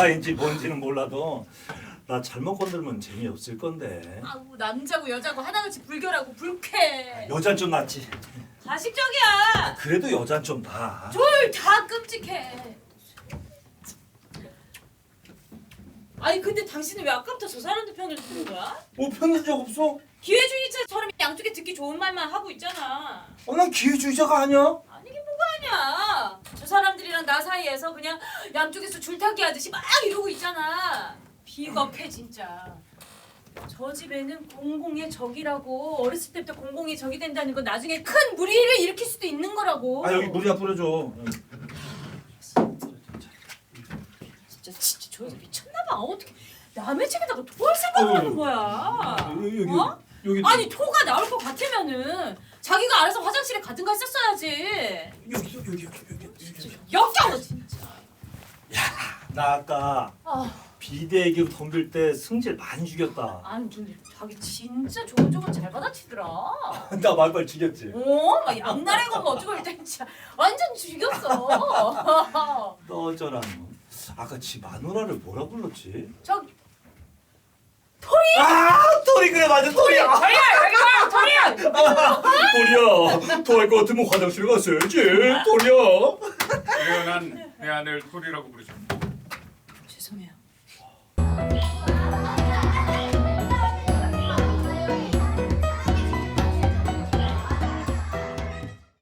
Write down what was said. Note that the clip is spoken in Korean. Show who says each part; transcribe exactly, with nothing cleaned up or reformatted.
Speaker 1: 사이인지 뭔지는 몰라도 나 잘못 건들면 재미없을 건데.
Speaker 2: 아우 남자고 여자고 하나같이 불결하고 불쾌.
Speaker 1: 여잔 좀 낫지.
Speaker 2: 가식적이야.
Speaker 1: 그래도 여잔 좀 나.
Speaker 2: 둘 다 끔찍해. 아니 근데 당신은 왜 아까부터 저 사람들 편을 드는 거야?
Speaker 1: 뭐 편든 적 없어?
Speaker 2: 기회주의자처럼 양쪽에 듣기 좋은 말만 하고 있잖아.
Speaker 1: 어, 난 기회주의자가 아니야.
Speaker 2: 아니긴 뭐가 아니야. 저 사람들이랑 나 사이에서 그냥 양쪽에서 줄타기 하듯이 막 이러고 있잖아. 비겁해 진짜. 저 집에는 공공의 적이라고. 어렸을 때부터 공공의 적이 된다는 건 나중에 큰 무리를 일으킬 수도 있는 거라고.
Speaker 1: 아 여기 물이나 뿌려줘.
Speaker 2: 진짜 진짜 저 여자 미쳤나봐. 어떻게 남의 집에다가 토할 생각을 하는 거야.
Speaker 1: 여기 여기
Speaker 2: 어?
Speaker 1: 여기.
Speaker 2: 아니 토가 나올 것 같으면은 자기가 알아서 화장실에 가든가 했었어야지.
Speaker 1: 여기 여기 여기 여기 여기.
Speaker 2: 역겨워 진짜.
Speaker 1: 나 아까
Speaker 2: 아,
Speaker 1: 비대기로 덤빌 때 승질 많이 죽였다.
Speaker 2: 아니 근데 자기 진짜 조곤조곤 잘 받아치더라.
Speaker 1: 나 말빨 죽였지.
Speaker 2: 어, 막 양날의 검 어쩌고 일단 진짜 완전 죽였어.
Speaker 1: 너 어쩌라 너. 아까 지 마누라를 뭐라 불렀지?
Speaker 2: 저 토리.
Speaker 1: 아 토리 그래 맞아 토리야.
Speaker 2: 토리야 여기 봐 토리야.
Speaker 1: 토리야 토할 것 같으면 화장실 갔어야지. 토리야.
Speaker 3: 그래요, 난 내 아내를 토리라고 부르죠.
Speaker 2: 죄송해요.